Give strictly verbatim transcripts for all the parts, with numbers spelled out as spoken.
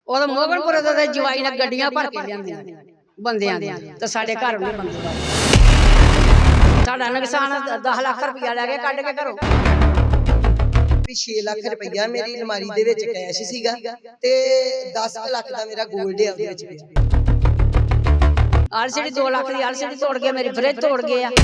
ਉਹ ਮੋਹਨਪੁਰ ਦੇ ਜਵਾਈ ਨੇ ਗੱਡੀਆਂ ਭਰ ਕੇ ਲਿਆਂਦੀਆਂ ਨੇ ਬੰਦਿਆਂ ਦੀਆਂ ਤੇ ਸਾਡੇ ਘਰ ਉਹਨੇ ਬੰਦੇ ਵਾਲੇ ਸਾਡਾ ਨੁਕਸਾਨ ਦਸ ਲੱਖ ਰੁਪਇਆ ਲੈ ਕੇ ਕੱਢ ਕੇ ਘਰੋਂ ਵੀ ਛੇ ਲੱਖ ਰੁਪਇਆ ਮੇਰੀ ਅਲਮਾਰੀ ਦੇ ਵਿੱਚ ਕੈਸ਼ ਸੀਗਾ ਤੇ ਦਸ ਲੱਖ ਦਾ ਮੇਰਾ 골ਡ ਹੈ ਉਹਦੇ ਵਿੱਚ ਪਿਆ। ਆਲਸੀਡੀ ਦੋ ਲੱਖ ਦੀ ਆਲਸੀਡੀ ਤੋੜ ਕੇ ਮੇਰੀ ਫਰਿੱਜ ਤੋੜ ਗਏ ਆ।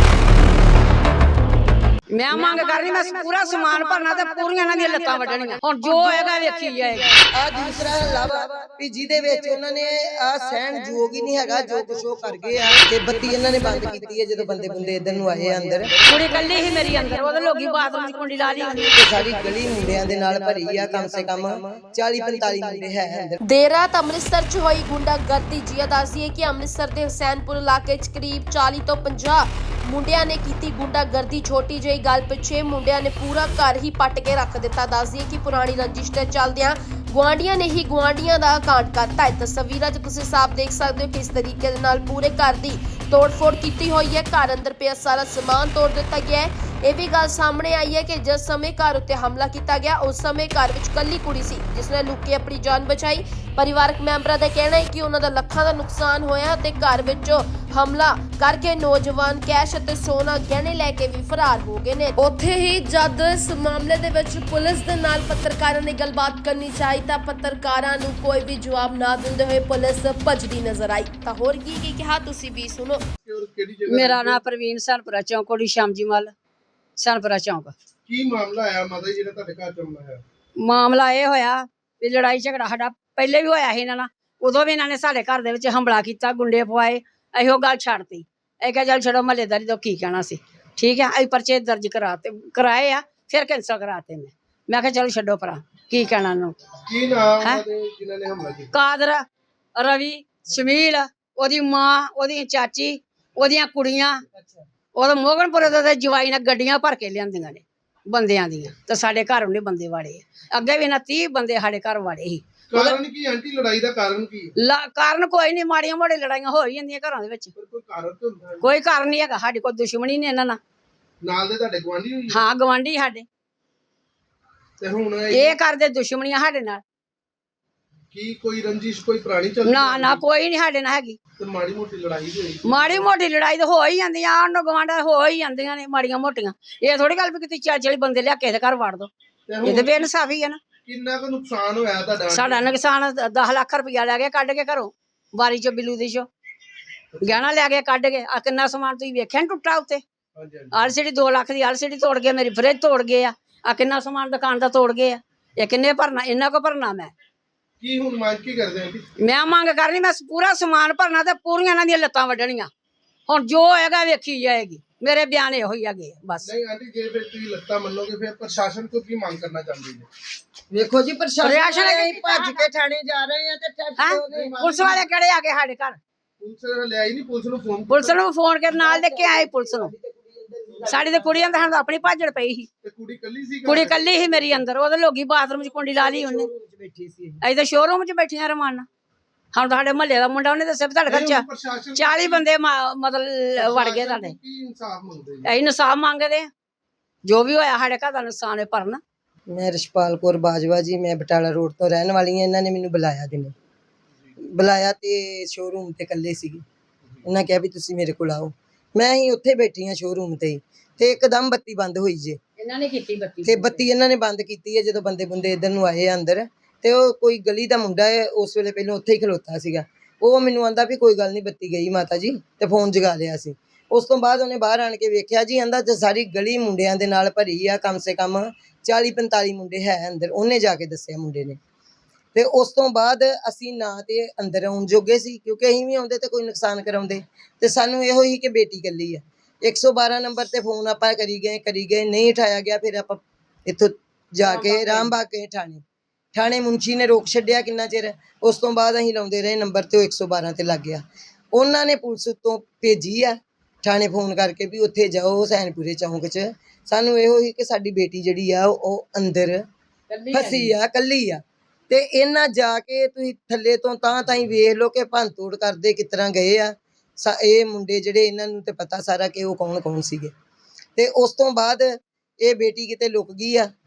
ਮੈਂ ਮੰਗ ਕਰਨੀ ਮੈਂ ਪੂਰਾ ਸਮਾਨ ਭਰਨਾ ਤੇ ਪੂਰੀਆਂ ਇਹਨਾਂ ਦੀਆਂ ਲੱਤਾਂ ਵੱਢਣੀਆਂ। ਹੁਣ ਜੋ ਹੋਏਗਾ ਵੇਖੀ ਜਾਏਗਾ। ਆ ਦੂਸਰਾ ਲਾਵਾ ਵੀ ਜਿਹਦੇ ਵਿੱਚ ਉਹਨਾਂ ਨੇ ਆ ਸਹਿਣ ਯੋਗ ਹੀ ਨਹੀਂ ਹੈਗਾ ਜੋ ਕੁਛ ਉਹ ਕਰ ਗਏ ਆ ਤੇ ਬੱਤੀ ਇਹਨਾਂ ਨੇ ਬੰਦ ਕੀਤੀ ਹੈ ਜਦੋਂ ਬੰਦੇ ਬੰਦੇ ਇਧਰ ਨੂੰ ਆਏ ਅੰਦਰ। ਕੁੜੀ ਕੱਲੀ ਹੀ ਮੇਰੀ ਅੰਦਰ ਉਹਦੇ ਲੋਕੀ ਬਾਥਰੂਮ ਦੀ ਕੁੰਡੀ ਲਾ ਲਈ ਤੇ ਸਾਰੀ ਗਲੀ ਮੁੰਡਿਆਂ ਦੇ ਨਾਲ ਭਰੀ ਆ। ਕਮ ਸੇ ਕਮ ਚਾਲੀ ਪੰਤਾਲੀ ਮੁੰਡੇ ਹੈ ਅੰਦਰ। ਦੇਰ ਰਾਤ ਅੰਮ੍ਰਿਤਸਰ ਚ ਹੋਈ ਗੁੰਡਾਗਰਦੀ। ਜੀਆ ਦੱਸਦੀ ਹੈ ਕਿ ਅੰਮ੍ਰਿਤਸਰ ਦੇ ਹੁਸੈਨਪੁਰ ਇਲਾਕੇ ਚ ਕਰੀਬ ਚਾਲੀ ਤੋਂ ਪੰਜਾਹ ਮੁੰਡਿਆਂ ਨੇ ਕੀਤੀ ਗੁੰਡਾਗਰਦੀ। ਛੋਟੀ ਜਿਹੀ ਗੱਲ ਪਿੱਛੇ ਮੁੰਡਿਆਂ ਨੇ ਪੂਰਾ ਘਰ ਹੀ ਪੱਟ ਕੇ ਰੱਖ ਦਿੱਤਾ। ਦੱਸਦੀ ਹੈ ਕਿ ਪੁਰਾਣੀ ਰੰਜਿਸ਼ ਤੇ ਚੱਲਦਿਆਂ ਗੁਆਂਢੀਆਂ ਨੇ ਹੀ ਗੁਆਂਢੀਆਂ ਦਾ ਕਾਂਡ ਕਰਤਾ ਹੈ। ਤਸਵੀਰਾਂ 'ਚ ਤੁਸੀਂ ਸਾਫ਼ ਦੇਖ ਸਕਦੇ ਹੋ ਕਿਸ ਤਰੀਕੇ ਦੇ ਨਾਲ ਪੂਰੇ ਘਰ ਦੀ ਤੋੜਫੋੜ ਕੀਤੀ ਹੋਈ ਹੈ। ਘਰ ਅੰਦਰ ਪਿਆ ਸਾਰਾ ਸਮਾਨ ਤੋੜ ਦਿੱਤਾ ਗਿਆ ਹੈ। ਇਹ ਵੀ ਗੱਲ ਸਾਹਮਣੇ ਆਈ ਹੈ ਕਿ ਜਿਸ ਸਮੇਂ ਘਰ ਉੱਤੇ ਹਮਲਾ ਕੀਤਾ ਗਿਆ ਉਸ ਸਮੇਂ ਘਰ ਵਿੱਚ ਕੱਲੀ ਕੁੜੀ ਸੀ ਜਿਸ ਨੇ ਲੁੱਕ ਕੇ ਆਪਣੀ ਜਾਨ ਬਚਾਈ। ਪਰਿਵਾਰਕ ਮੈਂਬਰਾਂ ਦਾ ਕਹਿਣਾ ਹੈ ਕਿ ਉਹਨਾਂ ਦਾ ਲੱਖਾਂ ਦਾ ਨੁਕਸਾਨ ਹੋਇਆ ਤੇ ਘਰ ਵਿੱਚ ਹਮਲਾ ਕਰਕੇ ਨੌਜਵਾਨ ਕੈਸ਼ ਅਤੇ ਸੋਨਾ ਗਹਿਣੇ ਲੈ ਕੇ ਵੀ ਫਰਾਰ ਹੋ ਗਏ ਨੇ। ਉੱਥੇ ਹੀ ਜਦ ਇਸ ਮਾਮਲੇ ਦੇ ਵਿੱਚ ਪੁਲਿਸ ਦੇ ਨਾਲ ਪੱਤਰਕਾਰਾਂ ਨੇ ਗੱਲਬਾਤ ਕਰਨੀ ਚਾਹੀ ਤਾਂ ਪੱਤਰਕਾਰਾਂ ਨੂੰ ਕੋਈ ਵੀ ਜਵਾਬ ਨਾ ਦਿੰਦੇ ਹੋਏ ਪੁਲਿਸ ਭੱਜਦੀ ਨਜ਼ਰ ਆਈ। ਤਾਂ ਹੋਰ ਕੀ ਕੀ ਕਿਹਾ ਤੁਸੀਂ ਵੀ ਸੁਣੋ। ਮੇਰਾ ਨਾਮ ਪ੍ਰਵੀਨ ਸਨਪੁਰਾ ਚੌਂਕ ਕੋੜੀ ਸ਼ਾਮਜੀ ਮੱਲ ਸਨਪੁਰਾ ਚੌਂਕ। ਕੀ ਮਾਮਲਾ ਆਇਆ ਮਾਤਾ ਜੀ ਜਿਹੜਾ ਤੁਹਾਡੇ ਘਰ ਚ ਆਉਂਦਾ ਹੈ? ਮਾਮਲਾ ਇਹ ਹੋਇਆ ਵੀ ਲੜਾਈ ਝਗੜਾ ਸਾਡਾ ਪਹਿਲੇ ਵੀ ਹੋਇਆ ਸੀ ਇਹਨਾਂ ਨਾਲ। ਉਦੋਂ ਵੀ ਇਹਨਾਂ ਨੇ ਸਾਡੇ ਘਰ ਦੇ ਵਿੱਚ ਹਮਲਾ ਕੀਤਾ, ਗੁੰਡੇ ਪਵਾਏ। ਇਹੋ ਗੱਲ ਛੱਡਤੀ। ਇਹ ਕਿਹਾ ਚੱਲ ਛੱਡੋ ਮਹੱਲੇਦਾਰੀ ਤੋਂ ਕੀ ਕਹਿਣਾ ਸੀ। ਠੀਕ ਹੈ ਅਸੀਂ ਪਰਚੇ ਦਰਜ ਕਰਾਤੇ ਕਰਾਏ ਆ ਫਿਰ ਕੈਂਸਲ ਕਰਾਤੇ ਨੇ। ਮੈਂ ਕਿਹਾ ਚਲੋ ਛੱਡੋ ਭਰਾ ਕੀ ਕਹਿਣਾ ਉਹਨੂੰ। ਕੀ ਨਾਮ ਹੈ ਜਿਨ੍ਹਾਂ ਨੇ ਹਮਲਾ ਕੀਤਾ? ਕਾਦਰ, ਰਵੀ, ਸ਼ਮੀਲ, ਉਹਦੀ ਮਾਂ, ਉਹਦੀ ਚਾਚੀ, ਉਹਦੀਆਂ ਕੁੜੀਆਂ। ਉਹ ਮੋਹਨਪੁਰ ਦੇ ਜਵਾਈ ਨੇ ਗੱਡੀਆਂ ਭਰ ਕੇ ਲਿਆਂਦੀਆਂ ਨੇ ਬੰਦਿਆਂ ਦੀਆਂ ਤੇ ਸਾਡੇ ਘਰ ਉਹਨੇ ਬੰਦੇ ਵਾੜੇ ਆ। ਅੱਗੇ ਵੀ ਇਹਨਾਂ ਤੀਹ ਬੰਦੇ ਸਾਡੇ ਘਰ ਵਾੜੇ ਸੀ। ਕਾਰਨ ਕੀ ਆਂਟੀ ਲੜਾਈ ਦਾ ਕਾਰਨ ਕੀ? ਕਾਰਨ ਕੋਈ ਨਹੀਂ, ਮਾੜੀਆਂ ਮੋਟੀਆਂ ਲੜਾਈਆਂ ਹੋ ਹੀ ਜਾਂਦੀਆਂ ਘਰਾਂ ਦੇ ਵਿੱਚ। ਕੋਈ ਕਾਰਨ ਤਾਂ ਹੁੰਦਾ? ਕੋਈ ਕਾਰਨ ਨਹੀਂ ਹੈਗਾ। ਸਾਡੀ ਕੋਈ ਦੁਸ਼ਮਣੀ ਨਹੀਂ ਇਹਨਾਂ ਨਾਲ। ਨਾਲ ਦੇ ਤੁਹਾਡੇ ਗਵਾਂਢੀ ਹੋਈ? ਹਾਂ ਗਵਾਂਢੀ ਸਾਡੇ। ਤੇ ਹੁਣ ਇਹ ਕਰਦੇ ਦੁਸ਼ਮਣੀਆਂ ਸਾਡੇ ਨਾਲ। ਕੀ ਕੋਈ ਰੰਜਿਸ਼ ਕੋਈ ਪੁਰਾਣੀ ਚੱਲਦੀ? ਨਾ ਨਾ ਕੋਈ ਨਹੀਂ ਸਾਡੇ ਨਾਲ ਹੈਗੀ। ਤੇ ਮਾੜੀ ਮੋਟੀ ਲੜਾਈ ਹੋਈ? ਮਾੜੀ ਮੋਟੀ ਲੜਾਈ ਤਾਂ ਹੋ ਹੀ ਜਾਂਦੀਆਂ ਆਂਢ ਗਵਾਂਢ ਹੋ ਹੀ ਜਾਂਦੀਆਂ ਨੇ ਮਾੜੀਆਂ ਮੋਟੀਆਂ। ਇਹ ਥੋੜੀ ਗੱਲ ਵੀ ਕਿਤੇ ਚਾਲੀ ਚਾਲੀ ਬੰਦੇ ਲਿਆ ਕਿਸੇ ਦੇ ਘਰ ਵੜ ਦੋ। ਇਹ ਤੇ ਬੇਇਨਸਾਫੀ ਹੈ ਨਾ। ਕਿੰਨਾ ਕੁ ਨੁਕਸਾਨ ਹੋਇਆ ਤੁਹਾਡਾ? ਸਾਡਾ ਨੁਕਸਾਨ ਦਸ ਲੱਖ ਰੁਪਇਆ ਲੈ ਕੇ ਕੱਢ ਕੇ ਘਰੋਂ ਬਾਰੀ ਚੋਂ ਬਿੱਲੂ ਦੀ ਚੋਂ ਗਹਿਣਾ ਲੈ ਕੇ ਕੱਢ ਕੇ। ਆ ਕਿੰਨਾ ਸਮਾਨ ਤੁਸੀਂ ਵੇਖਿਆ ਨੀ ਟੁੱਟਾ ਉੱਤੇ। ਆਲਸੀਡੀ ਦੋ ਲੱਖ ਦੀ ਆਲਸੀਡੀ ਤੋੜ ਕੇ ਮੇਰੀ ਫਰਿੱਜ ਤੋੜ ਗਏ ਆ। ਆ ਕਿੰਨਾ ਸਮਾਨ ਦੁਕਾਨ ਦਾ ਤੋੜ ਗਏ ਆ। ਇਹ ਕਿੰਨੇ ਭਰਨਾ? ਇਹਨਾਂ ਕੋ ਭਰਨਾ ਮੈਂ। ਕੀ ਹੁਣ ਮੰਗ ਕੀ ਕਰਦੇ ਆਂਟੀ? ਮੈਂ ਮੰਗ ਕਰਨੀ ਮੈਂ ਪੂਰਾ ਸਮਾਨ ਭਰਨਾ ਤੇ ਪੂਰੀਆਂ ਇਹਨਾਂ ਦੀਆਂ ਲੱਤਾਂ ਵੱਢਣੀਆਂ। ਹੁਣ ਜੋ ਹੋਏਗਾ ਵੇਖੀ ਜਾਏਗੀ। ਮੇਰੇ ਬਿਆਨ ਇਹੋ ਹੀ ਹੈਗੇ ਬਸ। ਨਹੀਂ ਆਂਟੀ ਜੇ ਫਿਰ ਤੁਸੀਂ ਲੱਤਾਂ ਮੰਨੋਗੇ ਫਿਰ ਪ੍ਰਸ਼ਾਸਨ ਤੋਂ ਕੀ ਮੰਗ ਕਰਨਾ ਚਾਹੁੰਦੇ ਜੀ? ਵੇਖੋ ਜੀ ਪ੍ਰਸ਼ਾਸਨ ਅਸੀਂ ਭੱਜ ਕੇ ਥਾਣੇ ਜਾ ਰਹੇ ਆ ਤੇ ਹੈਂ? ਪੁਲਿਸ ਵਾਲੇ ਕਿਹੜੇ ਆ ਗਏ ਸਾਡੇ ਘਰ? ਪੁਲਿਸ ਲਿਆਈ ਨਹੀਂ? ਪੁਲਿਸ ਨੂੰ ਫੋਨ? ਪੁਲਿਸ ਨੂੰ ਫੋਨ ਕੇ ਨਾਲ ਲੈ ਕੇ ਆਏ ਪੁਲਿਸ ਨੂੰ। ਸਾਡੀ ਤੇ ਕੁੜੀਆਂ ਤਾਂ ਸਾਨੂੰ ਆਪਣੀ ਭਾਜੜ ਪਈ ਸੀ। ਤੇ ਕੁੜੀ ਕੱਲੀ ਸੀ? ਕੁੜੀ ਕੱਲੀ ਸੀ ਮੇਰੀ ਅੰਦਰ। ਉਹਦੇ ਲੋਕੀ ਬਾਥਰੂਮ 'ਚ ਕੁੰਡੀ ਲਾ ਲਈ ਉਹਨੇ। ਅਸੀਂ ਤਾਂ ਸ਼ੋਰੂਮ 'ਚ ਬੈਠੀਆਂ ਰਮਾਨ। ਹੁਣ ਸਾਡੇ ਮਹੱਲੇ ਦਾ ਮੁੰਡਾ ਉਹਨੇ ਦੱਸਿਆ ਵੀ ਤੁਹਾਡੇ ਘਰ ਚਾਲੀ ਬੰਦੇ ਮਤਲਬ ਵੜ ਗਏ ਤੁਹਾਡੇ। ਕੀ ਇਨਸਾਫ ਮੰਗਦੇ ਜੀ? ਅਸੀਂ ਇਨਸਾਫ ਮੰਗਦੇ ਆ। ਜੋ ਵੀ ਹੋਇਆ ਸਾਡੇ ਘਰ ਦਾ ਨੁਕਸਾਨ ਹੈ ਭਰਨਾ। ਮੈਂ ਰਸ਼ਪਾਲ ਕੌਰ ਬਾਜਵਾ ਜੀ, ਮੈਂ ਬਟਾਲਾ ਰੋਡ ਤੋਂ ਰਹਿਣ ਵਾਲੀ ਹਾਂ। ਇਹਨਾਂ ਨੇ ਮੈਨੂੰ ਬੁਲਾਇਆ ਦਿਨੇ ਬੁਲਾਇਆ ਤੇ ਸ਼ੋਰੂਮ ਤੇ ਇਕੱਲੇ ਸੀਗੇ। ਉਹਨਾਂ ਕਿਹਾ ਵੀ ਤੁਸੀਂ ਮੇਰੇ ਕੋਲ ਆਓ। ਮੈਂ ਹੀ ਉੱਥੇ ਬੈਠੀ ਹਾਂ ਸ਼ੋਰੂਮ ਤੇ ਤੇ ਇੱਕਦਮ ਬੱਤੀ ਬੰਦ ਹੋਈ ਜੇ। ਇਹਨਾਂ ਨੇ ਕੀਤੀ ਬੱਤੀ ਤੇ ਬੱਤੀ ਇਹਨਾਂ ਨੇ ਬੰਦ ਕੀਤੀ ਹੈ ਜਦੋਂ ਬੰਦੇ ਬੰਦੇ ਇੱਧਰ ਨੂੰ ਆਏ ਅੰਦਰ। ਤੇ ਉਹ ਕੋਈ ਗਲੀ ਦਾ ਮੁੰਡਾ ਹੈ ਉਸ ਵੇਲੇ ਪਹਿਲਾਂ ਉੱਥੇ ਹੀ ਖਲੋਤਾ ਸੀਗਾ। ਉਹ ਮੈਨੂੰ ਆਂਦਾ ਵੀ ਕੋਈ ਗੱਲ ਨਹੀਂ ਬੱਤੀ ਗਈ ਮਾਤਾ ਜੀ ਤੇ ਫੋਨ ਜਗਾ ਲਿਆ ਸੀ। ਉਸ ਤੋਂ ਬਾਅਦ ਉਹਨੇ ਬਾਹਰ ਆਣ ਕੇ ਵੇਖਿਆ ਜੀ ਆਂਦਾ ਤੇ ਸਾਰੀ ਗਲੀ ਮੁੰਡਿਆਂ ਦੇ ਨਾਲ ਭਰੀ ਆ। ਕਮ ਸੇ ਕਮ ਚਾਲੀ ਪੰਤਾਲੀ ਮੁੰਡੇ ਹੈ ਅੰਦਰ। ਉਹਨੇ ਜਾ ਕੇ ਦੱਸਿਆ ਮੁੰਡੇ ਨੇ। ਤੇ ਉਸ ਤੋਂ ਬਾਅਦ ਅਸੀਂ ਨਾ ਤੇ ਅੰਦਰ ਆਉਣ ਜੋਗੇ ਸੀ ਕਿਉਂਕਿ ਅਸੀਂ ਵੀ ਆਉਂਦੇ ਤੇ ਕੋਈ ਨੁਕਸਾਨ ਕਰਾਉਂਦੇ। ਤੇ ਸਾਨੂੰ ਇਹੋ ਹੀ ਕਿ ਬੇਟੀ ਇਕੱਲੀ ਆ। ਇੱਕ ਸੌ ਬਾਰਾਂ ਨੰਬਰ ਤੇ ਫੋਨ ਆਪਾਂ ਕਰੀ ਗਏ ਕਰੀ ਗਏ ਨਹੀਂ ਉਠਾਇਆ ਗਿਆ। ਫਿਰ ਆਪਾਂ ਇੱਥੋਂ ਜਾ ਕੇ ਰਾਮਬਾਗ ਗਏ ਥਾਣੇ। ਥਾਣੇ ਮੁੰਸ਼ੀ ਨੇ ਰੋਕ ਛੱਡਿਆ ਕਿੰਨਾ ਚਿਰ। ਉਸ ਤੋਂ ਬਾਅਦ ਅਸੀਂ ਲਾਉਂਦੇ ਰਹੇ ਨੰਬਰ ਤੇ ਉਹ ਇੱਕ ਸੌ ਬਾਰਾਂ ਤੇ ਲੱਗ ਗਿਆ। ਉਹਨਾਂ ਨੇ ਪੁਲਿਸ ਉੱਤੋਂ ਭੇਜੀ ਆ ਥਾਣੇ ਫੋਨ ਕਰਕੇ ਵੀ ਉੱਥੇ ਜਾਓ ਹੁਸੈਨਪੁਰੇ ਚੌਂਕ 'ਚ। ਸਾਨੂੰ ਇਹੋ ਹੀ ਕਿ ਸਾਡੀ ਬੇਟੀ ਜਿਹੜੀ ਆ ਉਹ ਅੰਦਰ ਫਸੀ ਆ, ਕੱਲੀ ਆ। ਤੇ ਇਹਨਾਂ ਜਾ ਕੇ ਤੁਸੀਂ ਥੱਲੇ ਤੋਂ ਤਾਂ ਤਾਈਂ ਵੇਖ ਲਓ ਕਿ ਭੰਨ ਤੋੜ ਕਰਦੇ ਕਿਸ ਤਰ੍ਹਾਂ ਗਏ ਆ। ਇਹ ਮੁੰਡੇ ਜਿਹੜੇ ਇਹਨਾਂ ਨੂੰ ਤੇ ਪਤਾ ਸਾਰਾ ਕਿ ਉਹ ਕੌਣ ਕੌਣ ਸੀਗੇ। ਤੇ ਉਸ ਤੋਂ ਬਾਅਦ ਇਹ ਬੇਟੀ ਕਿਤੇ ਲੁਕ ਗਈ ਆ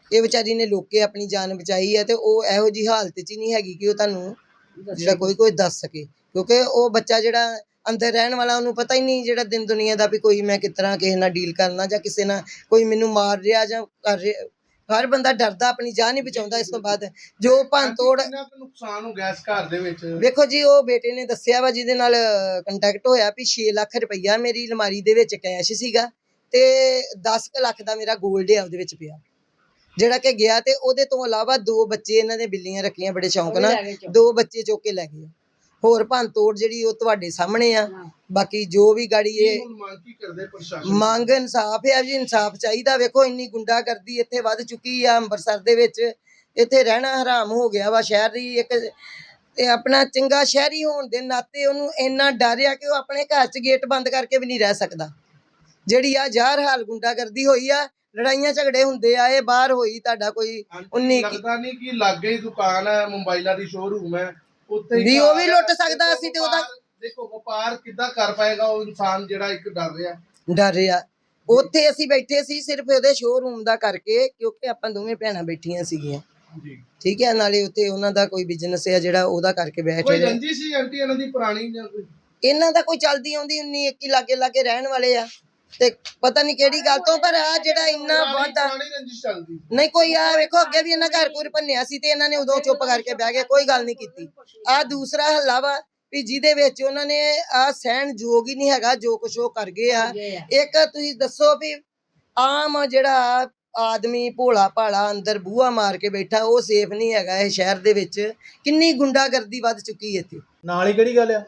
ਇਹ ਵਿਚਾਰੀ ਨੇ ਲੋਕੇ ਆਪਣੀ ਜਾਨ ਬਚਾਈ ਹੈ ਤੇ ਉਹ ਇਹੋ ਜੀ ਹਾਲਤ 'ਚ ਹੀ ਨਹੀਂ ਹੈਗੀ ਕਿ ਉਹ ਤੁਹਾਨੂੰ ਜਿਹੜਾ ਕੋਈ ਕੋਈ ਦੱਸ ਸਕੇ, ਕਿਉਂਕਿ ਉਹ ਬੱਚਾ ਜਿਹੜਾ ਅੰਦਰ ਰਹਿਣ ਵਾਲਾ ਉਹਨੂੰ ਪਤਾ ਹੀ ਨਹੀਂ ਜਿਹੜਾ ਦਿਨ ਦੁਨੀਆ ਦਾ ਵੀ ਕੋਈ ਮੈਂ ਕਿਸ ਤਰ੍ਹਾਂ ਕਿਸੇ ਨਾਲ ਡੀਲ ਕਰਨਾ ਜਾਂ ਕਿਸੇ ਨਾਲ ਕੋਈ ਮੈਨੂੰ ਮਾਰ ਰਿਹਾ ਜਾਂ ਕਰ ਰਿਹਾ। ਹਰ ਬੰਦਾ ਡਰਦਾ, ਆਪਣੀ ਜਾਨ ਹੀ ਬਚਾਉਂਦਾ। ਇਸ ਤੋਂ ਬਾਅਦ ਜੋ ਭੰਨ ਤੋੜ ਕਿੰਨਾ ਕੁ ਨੁਕਸਾਨ ਹੋ ਗਿਆ ਇਸ ਘਰ ਦੇ ਵਿੱਚ? ਵੇਖੋ ਜੀ, ਉਹ ਬੇਟੇ ਨੇ ਦੱਸਿਆ ਵਾ ਜਿਹਦੇ ਨਾਲ ਕੰਟੈਕਟ ਹੋਇਆ ਵੀ ਛੇ ਲੱਖ ਰੁਪਈਆ ਮੇਰੀ ਅਲਮਾਰੀ ਦੇ ਵਿੱਚ ਕੈਸ਼ ਸੀਗਾ ਤੇ ਦਸ ਕੁ ਲੱਖ ਦਾ ਮੇਰਾ 골ਡ ਹੈ ਉਹਦੇ ਵਿੱਚ ਪਿਆ ਜਿਹੜਾ ਕਿ ਗਿਆ। ਤੇ ਉਹਦੇ ਤੋਂ ਇਲਾਵਾ ਦੋ ਬੱਚੇ ਇਹਨਾਂ ਦੇ ਬਿੱਲੀਆਂ ਰੱਖੀਆਂ ਬੜੇ ਸ਼ੌਂਕ ਨਾਲ, ਦੋ ਬੱਚੇ ਚੁੱਕ ਕੇ ਲੈ ਗਏ। ਹੋਰ ਭੰਨ ਤੋੜ ਜਿਹੜੀ ਉਹ ਤੁਹਾਡੇ ਸਾਹਮਣੇ ਆ। ਬਾਕੀ ਜੋ ਵੀ ਗਾੜੀ ਇਹ ਹੁਣ ਮੰਗ ਕੀ ਕਰਦੇ ਪ੍ਰਸ਼ਾਸਨ? ਮੰਗ ਇਨਸਾਫ ਹੈ ਜੀ, ਇਨਸਾਫ ਚਾਹੀਦਾ। ਵੇਖੋ ਇੰਨੀ ਗੁੰਡਾਗਰਦੀ ਇੱਥੇ ਵੱਧ ਚੁੱਕੀ ਆ ਅੰਮ੍ਰਿਤਸਰ ਦੇ ਵਿੱਚ, ਇੱਥੇ ਰਹਿਣਾ ਹਰਾਮ ਹੋ ਗਿਆ ਵਾ। ਸ਼ਹਿਰ ਦੀ ਇੱਕ ਤੇ ਆਪਣਾ ਚੰਗਾ ਸ਼ਹਿਰੀ ਹੋਣ ਦੇ ਨਾਤੇ ਉਹਨੂੰ ਇੰਨਾ ਡਰ ਆ ਕਿ ਉਹ ਆਪਣੇ ਘਰ 'ਚ ਗੇਟ ਬੰਦ ਕਰਕੇ ਵੀ ਨਹੀਂ ਰਹਿ ਸਕਦਾ। ਜਿਹੜੀ ਆ ਜ਼ਾਹਰ ਹਾਲ ਗੁੰਡਾਗਰਦੀ ਹੋਈ ਆ, ਲੜਾਈਆਂ ਝਗੜੇ ਹੁੰਦੇ ਆ, ਇਹ ਬਾਹਰ ਹੋਈ ਤੁਹਾਡਾ ਕੋਈ ਉਨੀ ਲੱਗਦਾ ਨਹੀਂ ਕਿ ਲਾਗੇ ਹੀ ਦੁਕਾਨ ਹੈ, ਮੋਬਾਈਲਾਂ ਦੀ ਸ਼ੋਰੂਮ ਹੈ, ਉੱਥੇ ਵੀ ਉਹ ਵੀ ਲੁੱਟ ਸਕਦਾ ਸੀ ਤੇ ਉਹਦਾ ਦੇਖੋ ਵਪਾਰ ਕਿੱਦਾਂ ਕਰ ਪਾਏਗਾ ਉਹ ਇਨਸਾਨ ਜਿਹੜਾ ਇੱਕ ਡਰ ਰਿਹਾ ਡਰ ਰਿਹਾ। ਉੱਥੇ ਅਸੀਂ ਬੈਠੇ ਸੀ ਸਿਰਫ ਉਹਦੇ ਸ਼ੋਰੂਮ ਦਾ ਕਰਕੇ, ਕਿਉਂਕਿ ਆਪਾਂ ਦੋਵੇਂ ਭੈਣਾਂ ਬੈਠੀਆਂ ਸੀਗੀਆਂ ਜੀ। ਠੀਕ ਹੈ। ਨਾਲੇ ਉੱਥੇ ਉਹਨਾਂ ਦਾ ਕੋਈ ਬਿਜ਼ਨਸ ਹੈ ਜਿਹੜਾ ਉਹਦਾ ਕਰਕੇ ਬੈਠੇ ਕੋਈ ਰਹੇ। ਰੰਜੀ ਸੀ ਆਂਟੀ ਇਹਨਾਂ ਦੀ ਪੁਰਾਣੀ ਜਾਂ ਕੋਈ? ਇਹਨਾਂ ਦਾ ਕੋਈ ਚੱਲਦੀ ਆਉਂਦੀ ਉਨੀ ਇੱਕ ਹੀ ਲਾਗੇ ਲਾਗੇ ਰਹਿਣ ਵਾਲੇ ਆ ਤੇ ਪਤਾ ਨਹੀਂ ਕਿਹੜੀ ਗੱਲ ਤੋਂ, ਪਰ ਆ ਜਿਹੜਾ ਇੰਨਾ ਵਾਧਾ ਪੁਰਾਣੀ ਰੰਜਿਸ਼ ਚੱਲਦੀ ਨਹੀਂ ਕੋਈ। ਆ ਵੇਖੋ ਅੱਗੇ ਵੀ ਇਹਨਾਂ ਘਰ ਘੁਰ ਭੰਨਿਆ ਸੀ ਤੇ ਇਹਨਾਂ ਨੇ ਉਦੋਂ ਚੁੱਪ ਕਰਕੇ ਬਹਿ ਗਏ, ਕੋਈ ਗੱਲ ਨਹੀਂ ਕੀਤੀ। ਆ ਦੂਸਰਾ ਹੱਲਾ ਵਾ ਵੀ ਜਿਹਦੇ ਵਿੱਚ ਉਹਨਾਂ ਨੇ ਆ ਸਹਿਣ ਯੋਗ ਹੀ ਨਹੀਂ ਹੈਗਾ ਜੋ ਕੁਛ ਉਹ ਕਰ ਗਏ ਆ। ਇੱਕ ਤੁਸੀਂ ਦੱਸੋ ਵੀ ਆਮ ਜਿਹੜਾ ਆਦਮੀ ਭੋਲਾ ਭਾਲਾ ਅੰਦਰ ਬੂਹਾ ਮਾਰ ਕੇ ਬੈਠਾ, ਉਹ ਸੇਫ ਨਹੀਂ ਹੈਗਾ ਇਹ ਸ਼ਹਿਰ ਦੇ ਵਿੱਚ। ਕਿੰਨੀ ਗੁੰਡਾਗਰਦੀ ਵੱਧ ਚੁੱਕੀ ਇੱਥੇ। ਨਾਲ ਹੀ ਕਿਹੜੀ ਗੱਲ ਆ,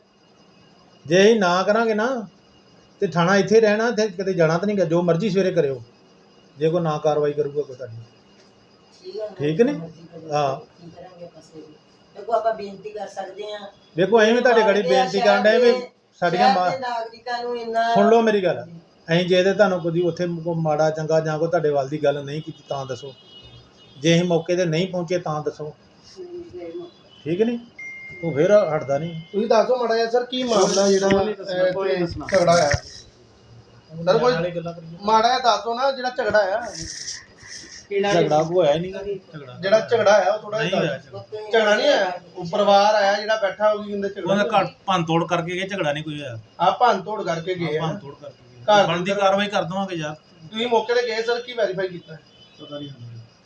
ਜੇ ਅਸੀਂ ਨਾ ਕਰਾਂਗੇ ਨਾ ਤੇ ਥਾਣਾ ਇੱਥੇ ਰਹਿਣਾ, ਤੇ ਕਿਤੇ ਜਾਣਾ ਤਾਂ ਨਹੀਂ ਗਾ। ਜੋ ਮਰਜ਼ੀ ਸਵੇਰੇ ਕਰਿਓ, ਜੇ ਕੋਈ ਨਾ ਕਾਰਵਾਈ ਕਰੂਗਾ ਕੋਈ ਤੁਹਾਡੀ, ਠੀਕ ਨੇ? ਹਾਂ ਦੇਖੋ ਆਪਾਂ ਬੇਨਤੀ ਕਰ ਸਕਦੇ ਆ। ਦੇਖੋ ਅਸੀਂ ਵੀ ਤੁਹਾਡੇ ਗੜੀ ਬੇਨਤੀ ਕਰਨ ਡਏ ਵੀ ਸਾਡੀਆਂ ਮਾਂ ਨਾਗਰਿਕਾਂ ਨੂੰ ਇੰਨਾ ਸੁਣ ਲਓ ਮੇਰੀ ਗੱਲ। ਅਸੀਂ ਜੇ ਤੇ ਤੁਹਾਨੂੰ ਕਦੀ ਉੱਥੇ ਕੋਈ ਮਾੜਾ ਚੰਗਾ ਜਾਂ ਕੋਈ ਤੁਹਾਡੇ ਵੱਲ ਦੀ ਗੱਲ ਨਹੀਂ ਕੀਤੀ ਤਾਂ ਦੱਸੋ, ਜੇ ਅਸੀਂ ਮੌਕੇ ਤੇ ਨਹੀਂ ਪਹੁੰਚੇ ਤਾਂ ਦੱਸੋ, ਠੀਕ ਨਹੀਂ? ਉਹ ਫਿਰ ਹਟਦਾ ਨਹੀਂ। ਤੁਸੀਂ ਦੱਸੋ ਮਾੜਾ ਜਿਹਾ ਸਰ ਕੀ ਮਾਮਲਾ ਜਿਹੜਾ ਇੱਥੇ ਝਗੜਾ ਹੋਇਆ ਸਰ? ਕੋਈ ਮਾੜਾ ਜਿਹਾ ਦੱਸੋ ਨਾ ਜਿਹੜਾ ਝਗੜਾ ਆ। ਝਗੜਾ ਕੋਈ ਹੋਇਆ ਹੀ ਨਹੀਂ ਝਗੜਾ ਜਿਹੜਾ ਝਗੜਾ ਆਇਆ ਉਹ ਥੋੜਾ ਨਹੀਂ ਜਿਹਾ ਹੋਇਆ ਝਗੜਾ ਨਹੀਂ ਆਇਆ। ਉਹ ਪਰਿਵਾਰ ਆਇਆ ਜਿਹੜਾ ਬੈਠਾ ਹੋ ਗਈ ਕਹਿੰਦੇ ਉਹਨੇ ਝਗੜਾ ਘਰ ਭੰਨ ਤੋੜ ਕਰਕੇ ਗਏ, ਝਗੜਾ ਨਹੀਂ ਕੋਈ ਹੋਇਆ। ਆ ਭੰਨ ਤੋੜ ਕਰਕੇ ਗਏ ਆ। ਭੰਨ ਤੋੜ ਕਰਕੇ ਗਏ, ਘਰ ਬਣਦੀ ਕਾਰਵਾਈ ਕਰ ਦਵਾਂਗੇ ਯਾਰ। ਤੁਸੀਂ ਮੌਕੇ ਤੇ ਗਏ ਸਰ, ਕੀ ਵੈਰੀਫਾਈ ਕੀਤਾ? ਪਤਾ ਨਹੀਂ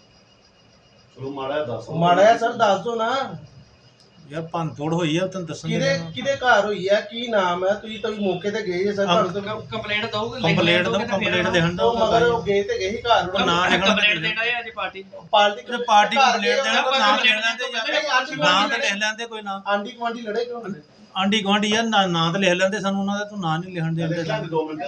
ਚਲੋ ਮਾੜਾ ਦੱਸ ਮਾੜਾ ਜਿਹਾ ਸਰ ਦੱਸ ਦਿਓ ਨਾ ਯਾਰ, ਭੰਨ ਤੋੜ ਹੋਈ ਆ ਤੈਨੂੰ ਦੱਸਣ ਕਿਹਦੇ ਕਿਹਦੇ ਘਰ ਹੋਈ ਹੈ, ਕੀ ਨਾਮ ਹੈ? ਤੁਸੀਂ ਤਾਂ ਮੌਕੇ ਤੇ ਗਏ ਜੇ ਸਰ, ਤੁਹਾਨੂੰ ਤਾਂ ਕੰਪਲੇਂਟ ਦਊਗੇ, ਕੰਪਲੇਂਟ ਦੋ ਕੰਪਲੇਂਟ ਦੇਣ ਦਾ ਉਹ ਮਗਰ ਉਹ ਗਏ ਤੇ ਗਏ ਹੀ ਘਰ ਉਹ ਨਾਂ ਲਿਖਣਾ ਕੰਪਲੇਂਟ ਦੇਣਾ ਹੈ ਅੱਜ ਪਾਰਟੀ ਪਾਰਟੀ ਤੇ ਪਾਰਟੀ ਕੰਪਲੇਂਟ ਦੇਣਾ, ਘਰ ਨਾਮ ਗਏ ਲਿਖ ਲੈਂਦੇ ਨਹੀਂ, ਯਾਰ, ਆਂਢੀ ਨਾਂ ਗੁਆਂਢੀ ਤੇ ਲਿਖ ਲੈਂਦੇ ਕੋਈ ਨਾਂ। ਆਂਢੀ ਗੁਆਂਢੀ ਲੜੇ ਕਿਉਂ ਹੁੰਦੇ? ਆਂਢੀ ਗੁਆਂਢੀ ਯਾਰ ਨਾਂ ਨਾਂ ਤੇ ਲਿਖ ਲੈਂਦੇ, ਸਾਨੂੰ ਉਹਨਾਂ ਦਾ ਤੂੰ ਨਾਂ ਨਹੀਂ ਲਿਖਣ ਦੇ ਦਿੰਦੇ। ਦੋ ਮਿੰਟ